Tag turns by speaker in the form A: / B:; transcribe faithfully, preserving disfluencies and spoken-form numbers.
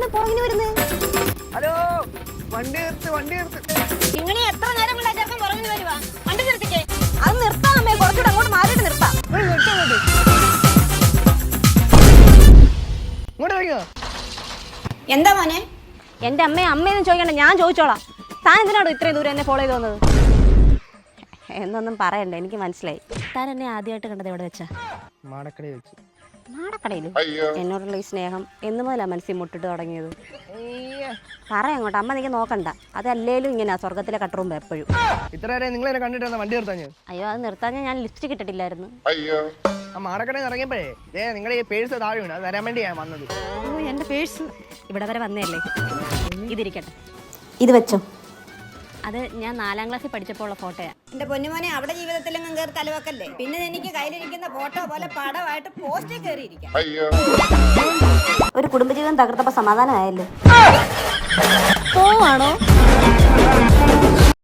A: എന്തിനാണ് പുറകിന് വരുന്നത്?
B: ഹലോ, വണ്ടി നിർത്ത്, വണ്ടി നിർത്ത്.
A: ഇങ്ങനെ എത്ര നേരം കൊണ്ട് അച്ഛൻ പുറകിന് വരുവാ? വണ്ടി നിർത്തിക്കേ. അത് നിർത്താം അമ്മേ, കുറച്ചുകൂടെ അങ്ങോട്ട് മാറിയിട്ട് നിർത്താം. എന്താ മോനെ? എന്റെ അമ്മയെ അമ്മയെന്ന് ചോദിക്കണ്ട, ഞാൻ ചോദിച്ചോളാം. താൻ എന്തിനാണോ ഇത്രയും ദൂരം എന്നെ ഫോളോ ചെയ്ത് വന്നത്? എന്നൊന്നും പറയണ്ട, എനിക്ക് മനസ്സിലായി. താൻ എന്നെ ആദ്യമായിട്ട് കണ്ടത് എവിടെ വെച്ചാ?
B: മാടക്കടയിൽ വെച്ച്.
A: മാടക്കടയിൽ? എന്നോടുള്ള ഈ സ്നേഹം എന്ന് മുതലാ മനസ്സിൽ മുട്ടിട്ട് തുടങ്ങിയത്? പറ അങ്ങോട്ട്, അമ്മ നീക്ക് നോക്കണ്ട. അതല്ലേലും ഇങ്ങനെ സ്വർഗത്തിലെ കട്ടറുമ്പോ എപ്പോഴും.
B: ഇത്ര നിങ്ങൾ എന്നെ കണ്ടിട്ട് വണ്ടി നിർത്താൻ?
A: അയ്യോ, അത് നിർത്താൻ ഞാൻ ലിസ്റ്റ് കിട്ടിട്ടില്ലായിരുന്നു.
B: ആ മാടക്കടയിൽ ഇറങ്ങിയപ്പോഴേ നിങ്ങളുടെ ഈ പേഴ്സ് താഴെ വീണ്, അത് തരാൻ വേണ്ടി ഞാൻ വന്നത്.
A: ഓ, എന്റെ പേഴ്സ് ഇവിടെ വരെ വന്നതല്ലേ. ഇതിരിക്കട്ടെ, ഇത് വെച്ചോ. അത് ഞാൻ നാലാം ക്ലാസ്സിൽ പഠിച്ചപ്പോൾ ഉള്ള ഫോട്ടോയാ.
C: എന്റെ പൊന്നുമോനെ, അവിടെ ജീവിതത്തിലെങ്ങും കയറി തലവെക്കല്ലേ. പിന്നെ എനിക്ക് കയ്യിലിരിക്കുന്ന ഫോട്ടോ പോലെ പടമായിട്ട് പോസ്റ്റിൽ കയറിയിരിക്കാം.
A: ഒരു കുടുംബജീവിതം തകർത്തപ്പോ സമാധാനമായല്ലോ. പോവാണോ?